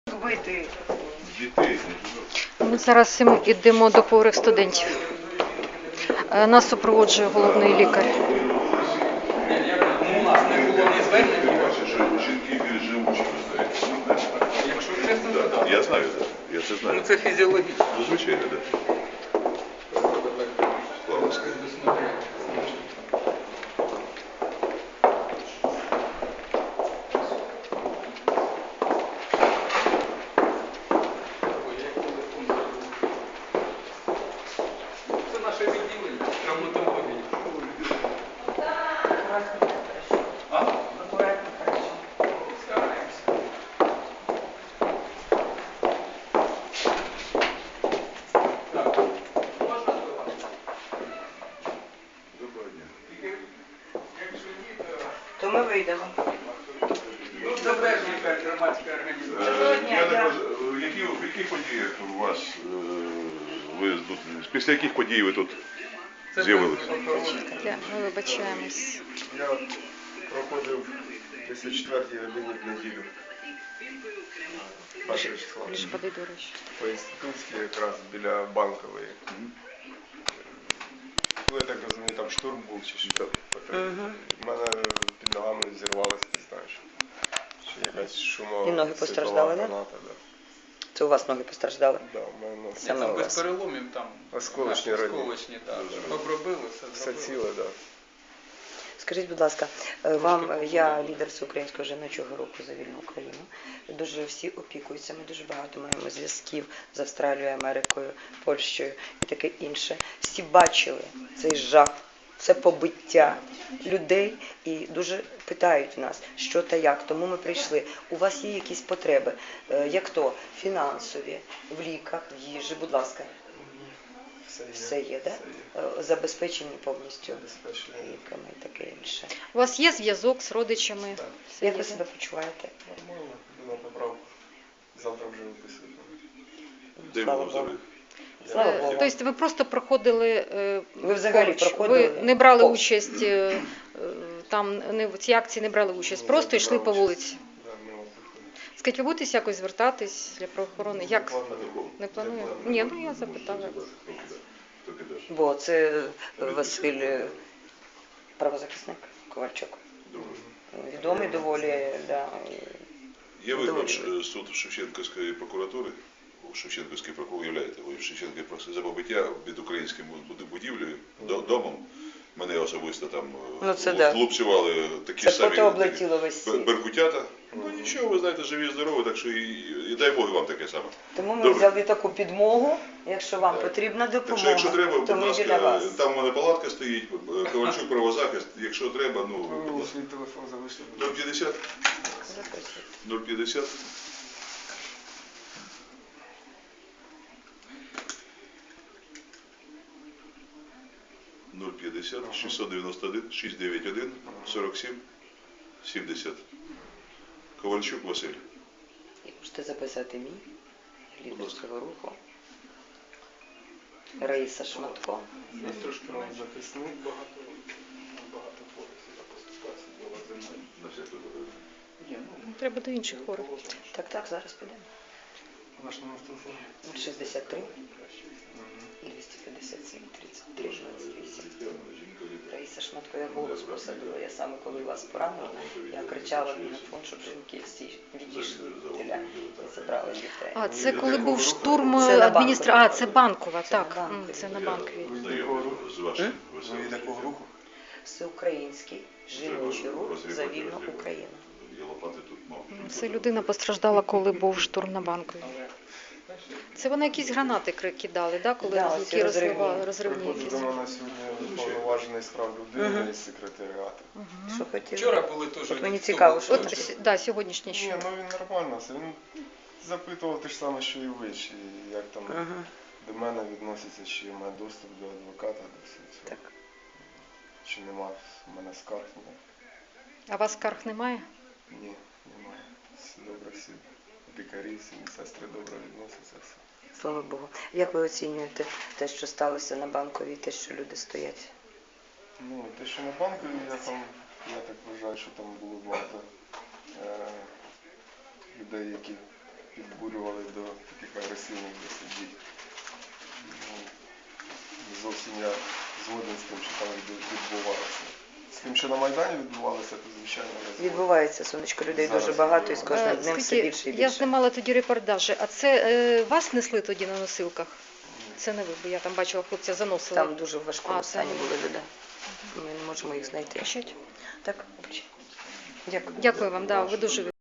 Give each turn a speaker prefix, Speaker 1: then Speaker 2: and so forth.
Speaker 1: Вбити
Speaker 2: дітей.
Speaker 3: Ми зараз йдемо до хворих студентів. Нас супроводжує головний лікар.
Speaker 4: У нас не було ні звернень.
Speaker 2: Бачиш, що жінки більш живучі, ви знаєте.
Speaker 4: Якщо чесно,
Speaker 2: Так,
Speaker 4: то так.
Speaker 2: я знаю, так. Я це
Speaker 4: Ну
Speaker 2: знаю.
Speaker 4: це фізіологічно.
Speaker 2: Ну, звичайно, так. Слава сказати.
Speaker 4: Це наше відділення травматології. А?
Speaker 1: акуратно, хорошо.
Speaker 4: Стараємося. Так. Можна до вас?
Speaker 2: Доброго дня.
Speaker 4: Якщо ні, то...
Speaker 1: То ми вийдемо.
Speaker 4: Ну, це теж якась громадська організація.
Speaker 1: Доброго дня,
Speaker 2: Я не
Speaker 1: я-
Speaker 2: можу, в яких подіях у вас, ви тут, після яких подій ви тут
Speaker 4: Це
Speaker 2: з'явилися?
Speaker 3: Ми вибачаємось.
Speaker 5: Я проходив десь о 4-й годині в неділю. Першого числа.
Speaker 3: Більш води, до речі.
Speaker 5: По інститутській якраз біля Банкової. Ну, я так розумію, там штурм був чи що. У мене під ногами зірвалося, не знаю, що якась шумо.
Speaker 6: І ноги постраждали, да?
Speaker 5: граната, да?
Speaker 6: Це у вас ноги постраждали?
Speaker 5: Да, у мене ноги.
Speaker 6: Саме
Speaker 4: Там
Speaker 6: у
Speaker 4: без
Speaker 6: вас.
Speaker 4: переломів там.
Speaker 5: Осколочні
Speaker 4: наші
Speaker 5: ранення.
Speaker 4: Осколочні, так. Обробили, все
Speaker 5: Все
Speaker 4: зробили.
Speaker 5: ціле, так. Да.
Speaker 6: Скажіть, будь ласка, вам, я лідер Всеукраїнського жіночого руху за вільну Україну. Дуже всі опікуються, ми дуже багато маємо зв'язків з Австралією, Америкою, Польщею і таке інше. Всі бачили цей жах, це побиття людей і дуже питають нас, що та як. Тому ми прийшли. У вас є якісь потреби, як то фінансові, в ліках, в їжі, будь ласка. Все є, так? Забезпечені повністю
Speaker 5: Забезпечені.
Speaker 6: ліками і таке інше.
Speaker 3: У вас є зв'язок з родичами?
Speaker 5: Так.
Speaker 3: Все
Speaker 6: Як
Speaker 3: є,
Speaker 6: ви
Speaker 3: да?
Speaker 6: себе почуваєте?
Speaker 5: Нормально, йду на поправку. Завтра вже виписують.
Speaker 2: Де
Speaker 6: Слава
Speaker 2: було
Speaker 6: Богу.
Speaker 2: взагалі?
Speaker 6: Слава Богу.
Speaker 3: Тобто ви просто проходили
Speaker 6: Ви взагалі
Speaker 3: поруч?
Speaker 6: проходили
Speaker 3: Ви не брали
Speaker 6: повз?
Speaker 3: участь там, в цій акції не брали участь, просто йшли по вулиці.
Speaker 5: Да, ми виходимо.
Speaker 3: Скажіть, ви будете якось звертатись для правоохорони? Як?
Speaker 2: Такого.
Speaker 3: Не планую? Ні, ну я запитала.
Speaker 2: Тільки даш.
Speaker 6: Бо це Василь, правозахисник Ковальчук.
Speaker 2: Добре.
Speaker 6: Відомий доволі, да.
Speaker 2: Є виклик суд Шевченківської прокуратури, Шевченківський прокурор являєте, ви в Шевченківській прокуратурі за побиття під українським будівлею, домом. Мене особисто там
Speaker 6: Ну, це да.
Speaker 2: хлопцювали такі
Speaker 6: Це
Speaker 2: самі
Speaker 6: фото облетіло весь світ.
Speaker 2: беркутята. Ну нічого, ви знаєте, живі, здорові, так що і дай Бог вам таке саме.
Speaker 6: Тому ми
Speaker 2: Добре.
Speaker 6: взяли таку підмогу. Якщо вам
Speaker 5: Так.
Speaker 6: потрібна
Speaker 2: Так
Speaker 6: допомога,
Speaker 2: що, якщо треба,
Speaker 6: то
Speaker 2: будь
Speaker 6: ми біля
Speaker 2: ласка,
Speaker 6: вас.
Speaker 2: там у мене палатка стоїть, Ковальчук правозахист, якщо треба,
Speaker 5: Ви
Speaker 2: ну, будь
Speaker 5: мені
Speaker 2: ласка.
Speaker 5: свій телефон залишили.
Speaker 2: 050
Speaker 6: Записуйте.
Speaker 2: 050 050 691 691 47 70. Ковальчук Василь.
Speaker 6: І можете записати мій
Speaker 2: Будь
Speaker 6: лідер
Speaker 2: ласка.
Speaker 6: цього руху. Раїса Шматко.
Speaker 4: Є трошки менше.
Speaker 5: Захисник.
Speaker 4: Багато хворих поступається була земля.
Speaker 2: На всяк випадок.
Speaker 4: Ні, ну,
Speaker 3: Треба до інших хворих.
Speaker 6: Так, зараз підемо.
Speaker 5: Ваш номер телефону.
Speaker 6: 63 і 257 33 28. Раїса Шматко, я голос посадила. Я саме коли вас поранила, я кричала в мікрофон, щоб жінки всі відійшли біля і забрали дітей.
Speaker 3: А, це коли був штурм
Speaker 6: Це на
Speaker 3: адміністрації. А,
Speaker 6: Банковій.
Speaker 3: це Банкова,
Speaker 6: Це
Speaker 3: так.
Speaker 6: на Банковій.
Speaker 3: Це на Банковій.
Speaker 2: Знайомий з вашим
Speaker 5: Ви
Speaker 2: Василем.
Speaker 5: від якого руху?
Speaker 6: Всеукраїнський жіночий рух за вільну Україну.
Speaker 2: Я лопати тут мав.
Speaker 3: Це людина постраждала, коли був штурм на Банковій. Це вони якісь гранати кидали, да, коли
Speaker 6: Да,
Speaker 3: які
Speaker 6: ці розривні.
Speaker 3: розривні
Speaker 5: Приходить
Speaker 3: якісь.
Speaker 5: до мене сьогодні повноважений справ людини із секретаріату.
Speaker 6: Що хотіли?
Speaker 4: вчора були теж.
Speaker 6: От мені
Speaker 4: хто
Speaker 6: цікаво,
Speaker 4: був?
Speaker 6: що
Speaker 3: От,
Speaker 6: це?
Speaker 3: да, сьогоднішнє
Speaker 5: Ні,
Speaker 3: що.
Speaker 5: ну він нормально. Він запитував те ж саме, що і ви, чи як там
Speaker 6: Ага,
Speaker 5: до мене відноситься, чи має доступ до адвоката, до всього цього.
Speaker 6: так.
Speaker 5: Чи нема в мене скарг, ні.
Speaker 3: А у вас скарг немає?
Speaker 5: Ні, немає. Всі добре, всі лікарі, всі сестри добре відносяться. Все.
Speaker 6: Слава Богу. Як ви оцінюєте те, що сталося на Банковій, те, що люди стоять?
Speaker 5: Ну, те, що на банку, я так вважаю, що там було багато людей, які підбурювали до таких агресивних досить дій. Ну, не зовсім я згоден з тим, що там відбувалося. З тим, що на Майдані відбувалося, то звичайно я згоден.
Speaker 6: Відбувається, сонечко, людей дуже
Speaker 5: Зараз
Speaker 6: багато і з
Speaker 5: відбувається.
Speaker 6: кожним днем все
Speaker 3: Скажіть,
Speaker 6: більше і
Speaker 3: я
Speaker 6: більше.
Speaker 3: знімала тоді репортажі, а це вас несли тоді на носилках? Це не ви, бо я там бачила, хлопця заносили.
Speaker 6: Там дуже в важкому
Speaker 3: А,
Speaker 6: стані
Speaker 3: там.
Speaker 6: були люди. Ми не можемо їх знайти. Так, дякую.
Speaker 3: Дякую вам, да, ви дуже